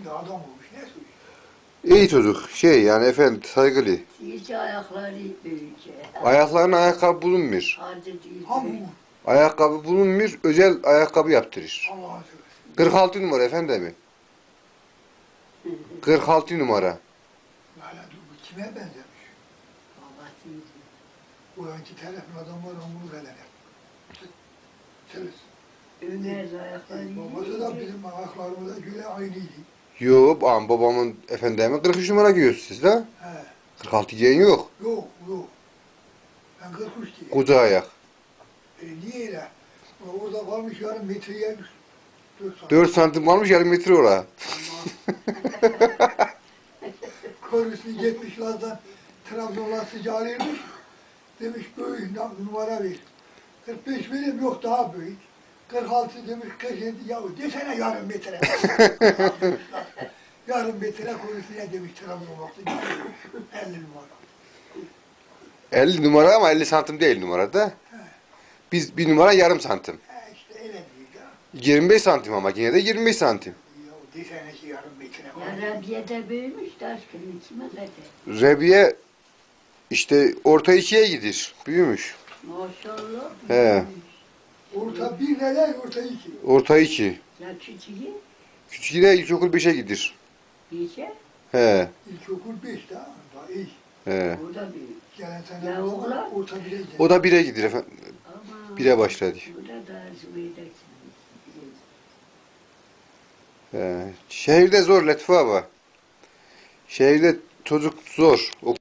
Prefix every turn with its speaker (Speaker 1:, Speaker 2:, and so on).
Speaker 1: şimdi adam olmuş. Ne söylüyor?
Speaker 2: İyi çocuk. Yani efendi saygılı.
Speaker 3: İyice ayakları büyüyecek.
Speaker 2: Ayaklarına ayakkabı bulunmuyor.
Speaker 3: Acı değil.
Speaker 1: Ha bu.
Speaker 2: Ayakkabı bulunmuyor. Özel ayakkabı yaptırır.
Speaker 1: Allah'a seversen.
Speaker 2: 46 numara efendim. 46 numara.
Speaker 1: Hala dur bu kime benzemiş?
Speaker 3: Babasıydı.
Speaker 1: Bu anki telefon adamlar onu veler. Çeliz.
Speaker 3: Ömer ayakları
Speaker 1: Babası da bizim ayaklarımıza göre aynıydı.
Speaker 2: Yo, babamın efendimin 43 numara giyiyorsunuz siz de.
Speaker 1: He.
Speaker 2: 46 giyen yok.
Speaker 1: Yok yok. Ben 43 diye.
Speaker 2: Koca ayak.
Speaker 1: Niye öyle? Orada kalmış yarım metreye
Speaker 2: 4 santim kalmış yarım metre oraya.
Speaker 1: Körüsü gitmişlerden Trabzonlar sıcağıymış. Demiş büyük numara ver. 45 benim yok daha büyük. 46 demiş 47 yahu desene yarım metre. Yarım metre körüsüne demiş Trabzonlar sıcağıymış. 50 numara.
Speaker 2: 50 numara ama 50 santim değil numarada. Biz bir numara yarım santim.
Speaker 1: İşte öyle değil ya.
Speaker 2: 25 santim ama yine de 25 santim.
Speaker 1: Yahu desene ki yarım metre.
Speaker 3: Ya Rabia da büyümüş de aşkım kime kadar.
Speaker 2: Rebiye işte orta ikiye gidir. Büyümüş.
Speaker 3: Maşallah.
Speaker 2: He.
Speaker 3: büyümüş.
Speaker 1: Orta bir neler orta iki.
Speaker 2: Orta 2.
Speaker 3: Ya küçüğü
Speaker 2: Küçüğü de ilkokul 5'e gidir.
Speaker 3: iyice.
Speaker 2: He.
Speaker 1: İlkokul 5 daha iyi.
Speaker 2: He.
Speaker 3: O da büyük.
Speaker 1: Gelen sene
Speaker 3: Ya oğlan?
Speaker 1: orta 1'e geldi.
Speaker 2: O da 1'e gidir efendim.
Speaker 3: Ama
Speaker 2: 1'e başladı.
Speaker 3: bu da daha zübeydeksiniz.
Speaker 2: He. Şehirde zor Latife abi. Şehirde çocuk zor.